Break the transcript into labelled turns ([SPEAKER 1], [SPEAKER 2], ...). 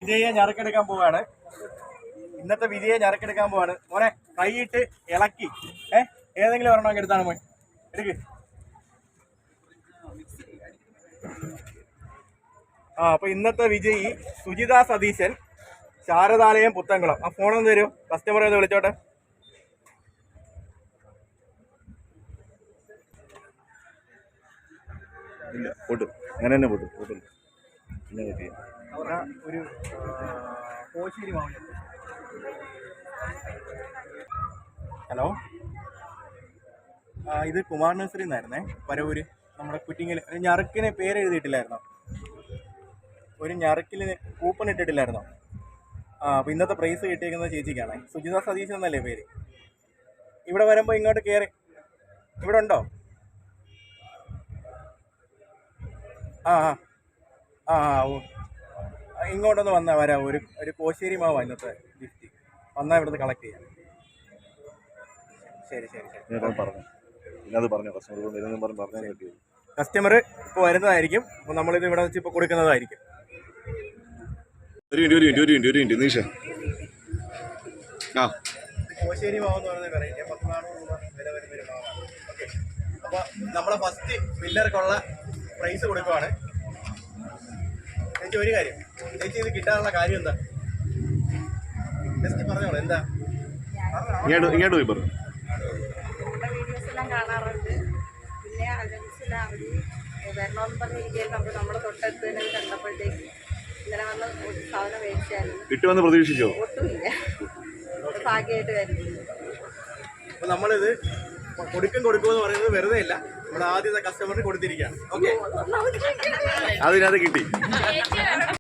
[SPEAKER 1] വിജയെ ഞറക്കെടുക്കാൻ പോവാണ്. ഇന്നത്തെ വിജയെ ഞറക്കെടുക്കാൻ പോവാണ്. മോനെ കൈയിട്ട് ഇളക്കി ഏതെങ്കിലും ഒരെണ്ണം എടുത്താണ് മോൻ എടുക്ക്. അപ്പൊ ഇന്നത്തെ വിജയി സുജിത സതീശൻ, ശാരദാലയം, പുത്തൻകുളം. ആ ഫോണൊന്ന് തരും, കസ്റ്റമറെ ഒന്ന് വിളിച്ചോട്ടെ.
[SPEAKER 2] ഇല്ല പൊട്ടും, അങ്ങനെ തന്നെ പൊട്ടും. പൊട്ടും
[SPEAKER 1] ഒരു കോശേരി മാവിന്. ഹലോ, ഇത് കുമാർ നഴ്സറി എന്നായിരുന്നേ, പരവൂര്. നമ്മുടെ കുറ്റിങ്ങൽ ഞറുക്കിന് പേര് എഴുതിയിട്ടില്ലായിരുന്നോ? ഒരു ഞറുക്കിന് കൂപ്പൺ ഇട്ടിട്ടില്ലായിരുന്നോ? അപ്പോൾ ഇന്നത്തെ പ്രൈസ് കിട്ടിയിരിക്കുന്നത് ചേച്ചിക്കാണ്. സുജിത സതീശൻ എന്നല്ലേ പേര്. ഇവിടെ വരുമ്പോൾ ഇങ്ങോട്ട് കയറി. ഇവിടെ ഉണ്ടോ? ഓ, ഇങ്ങോട്ടൊന്ന് വന്നാൽ വരാം. ഒരു കോശേരി മാവാ ഇന്നത്തെ ഗിഫ്റ്റ്. വന്നാൽ ഇവിടുന്ന് കളക്ട് ചെയ്യാം. ശരി ശരി ശരി. കസ്റ്റമർ ഇപ്പോൾ വരുന്നതായിരിക്കും. അപ്പോൾ നമ്മളിത് ഇവിടെ വെച്ച് ഇപ്പോൾ കൊടുക്കുന്നതായിരിക്കും. കോശേരി മാവെന്ന് പറയുന്ന വെറൈറ്റി 14 രൂപ വില വരുന്നൊരു മാവാണ്. ഓക്കെ, അപ്പോൾ നമ്മളെ ഫസ്റ്റ് വില്ലർക്കുള്ള പ്രൈസ് കൊടുക്കുവാണ്. ചേച്ചി ഒരു കാര്യം, ചേച്ചി ഇത് കിട്ടാനുള്ള കാര്യം എന്താ? ജസ്റ്റ് പറഞ്ഞോളൂ എന്താ.
[SPEAKER 2] ഇങ്ങോട്ട് പോയി പറഞ്ഞു.
[SPEAKER 3] വീഡിയോസ് എല്ലാം കാണാറുണ്ട്. പിന്നെ അതിനനുസരിച്ച് അവർ വരണമെന്ന് പറഞ്ഞിരിക്കുകയായിരുന്നു. അപ്പോൾ നമ്മൾ തൊട്ടടുത്ത് തന്നെ കണ്ടപ്പോഴത്തേക്ക് ഇന്നലെ വന്ന് സാധനം മേടിച്ചായിരുന്നു.
[SPEAKER 2] കിട്ടുമെന്ന് പ്രതീക്ഷിച്ചോ?
[SPEAKER 3] ഒട്ടുമില്ല, ഭാഗ്യമായിട്ട് വരുന്നു.
[SPEAKER 1] അപ്പോൾ നമ്മളിത് കൊടുക്കുമെന്ന് പറയുന്നത് വെറുതെ ഇല്ല. നമ്മുടെ ആദ്യത്തെ കസ്റ്റമറിന് കൊടുത്തിരിക്കുകയാണ്. ഓക്കെ,
[SPEAKER 2] അതിനകത്ത് കിട്ടി.